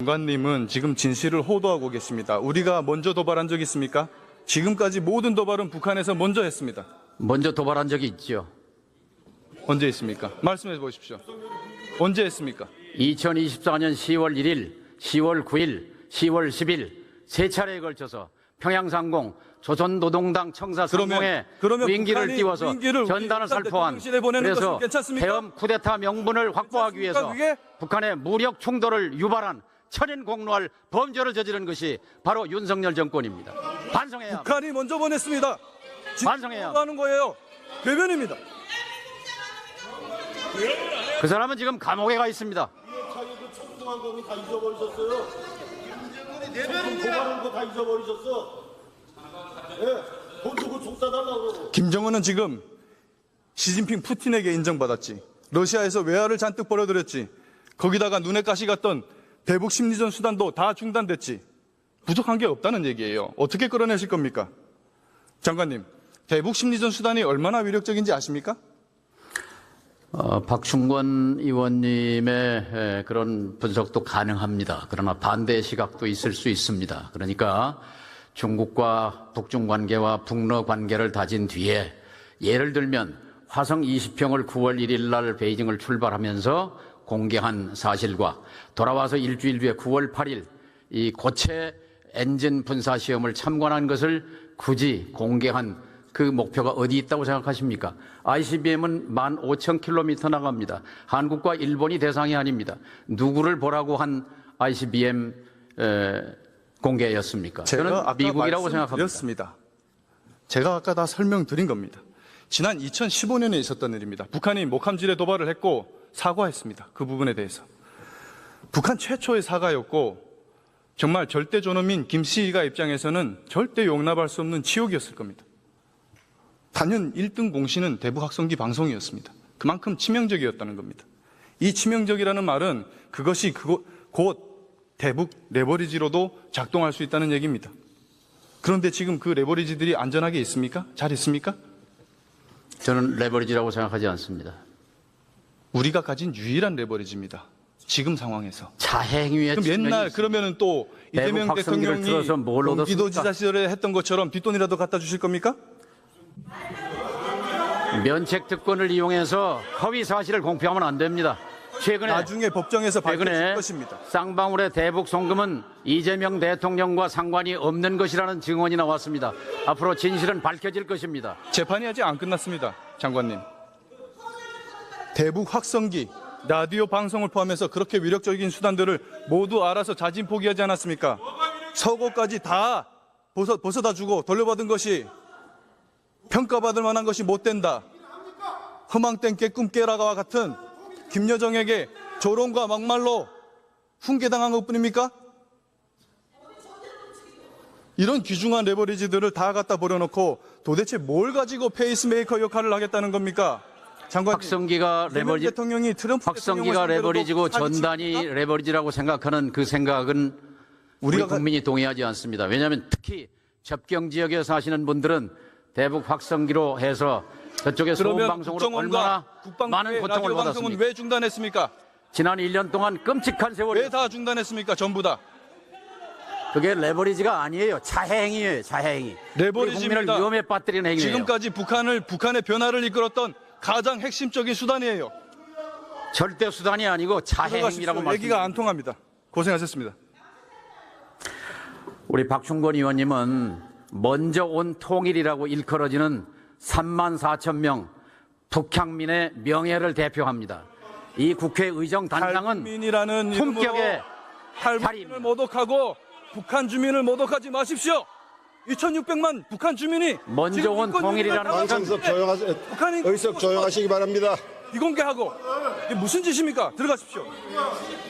장관님은 지금 진실을 호도하고 계십니다. 우리가 먼저 도발한 적 있습니까? 지금까지 모든 도발은 북한에서 먼저 했습니다. 먼저 도발한 적이 있죠. 언제 했습니까? 말씀해 보십시오. 언제 했습니까? 2024년 10월 1일, 10월 9일, 10월 10일 세 차례에 걸쳐서 평양상공 조선노동당 청사 상공에 무인기를 띄워서 전단을 살포한, 그래서 대엄 쿠데타 명분을 확보하기 위해서 북한의 무력 충돌을 유발한 천인공노할 범죄를 저지른 것이 바로 윤석열 정권입니다. 반성해야 합니다. 북한이 먼저 보냈습니다. 반성해야 하는 거예요. 배변입니다. 그 사람은 지금 감옥에 가 있습니다. 자기도 청동한 거는 다 잊어버리셨어요. 도발한 거 다 잊어버리셨어. 예, 돈 주고 총 쏴달라고 그러고. 김정은은 지금 시진핑 푸틴에게 인정받았지. 러시아에서 외화를 잔뜩 벌어들였지. 거기다가 눈에 가시 갔던 대북 심리전 수단도 다 중단됐지. 부족한 게 없다는 얘기예요. 어떻게 끌어내실 겁니까? 장관님, 대북 심리전 수단이 얼마나 위력적인지 아십니까? 박충권 의원님의 그런 분석도 가능합니다. 그러나 반대의 시각도 있을 수 있습니다. 그러니까 중국과 북중 관계와 북러 관계를 다진 뒤에 예를 들면 화성 20평을 9월 1일 날 베이징을 출발하면서 공개한 사실과 돌아와서 일주일 뒤에 9월 8일 이 고체 엔진 분사 시험을 참관한 것을 굳이 공개한 그 목표가 어디 있다고 생각하십니까? ICBM은 15,000km 나갑니다. 한국과 일본이 대상이 아닙니다. 누구를 보라고 한 ICBM 공개였습니까? 저는 미국이라고 생각합니다. 제가 아까 다 설명드린 겁니다. 지난 2015년에 있었던 일입니다. 북한이 목함질에 도발을 했고 사과했습니다. 그 부분에 대해서. 북한 최초의 사과였고 정말 절대 존엄인 김씨가 입장에서는 절대 용납할 수 없는 지옥이었을 겁니다. 단연 1등 공신은 대북 확성기 방송이었습니다. 그만큼 치명적이었다는 겁니다. 이 치명적이라는 말은 그것이 곧 대북 레버리지로도 작동할 수 있다는 얘기입니다. 그런데 지금 그 레버리지들이 안전하게 있습니까? 잘 있습니까? 저는 레버리지라고 생각하지 않습니다. 우리가 가진 유일한 레버리지입니다. 지금 상황에서. 자행위의 그럼 옛날 그러면은 또 이재명 대통령이 경기도지사 시절에 했던 것처럼 뒷돈이라도 갖다 주실 겁니까? 면책 특권을 이용해서 허위 사실을 공표하면 안 됩니다. 최근에 나중에 법정에서 밝혀질 것입니다. 쌍방울의 대북 송금은 이재명 대통령과 상관이 없는 것이라는 증언이 나왔습니다. 앞으로 진실은 밝혀질 것입니다. 재판이 아직 안 끝났습니다. 장관님. 대북 확성기, 라디오 방송을 포함해서 그렇게 위력적인 수단들을 모두 알아서 자진 포기하지 않았습니까? 서고까지 다 벗어다 주고 돌려받은 것이 평가받을 만한 것이 못 된다. 허망된 깨꿈 깨라가와 같은 김여정에게 조롱과 막말로 훈계당한 것뿐입니까? 이런 귀중한 레버리지들을 다 갖다 버려놓고 도대체 뭘 가지고 페이스메이커 역할을 하겠다는 겁니까? 장관님, 확성기가 레버리지고 전단이 레버리지라고 생각하는 그 생각은 우리 국민이 동의하지 않습니다. 왜냐하면 특히 접경 지역에 사시는 분들은 대북 확성기로 해서 저쪽에 소음방송으로 얼마나 많은 고통을 받았습니까? 왜 중단했습니까? 지난 1년 동안 끔찍한 세월이 왜 다 중단했습니까? 전부 다. 그게 레버리지가 아니에요. 자해행위예요. 자해행위. 레버리지입니다. 국민을 위험에 빠뜨리는 행위예요. 지금까지 북한의 변화를 이끌었던 가장 핵심적인 수단이에요. 절대 수단이 아니고 자해행위라고 말씀드립니다. 얘기가 안 통합니다. 고생하셨습니다. 우리 박충권 의원님은 먼저 온 통일이라고 일컬어지는 34,000명 북향민의 명예를 대표합니다. 이 국회의정 단장은 품격의 탈북민을 모독하고 북한 주민을 모독하지 마십시오. 2,600만 북한 주민이 먼저 온 통일이라는 것은 의석 조용하시기 바랍니다. 비공개하고 이게 무슨 짓입니까? 들어가십시오.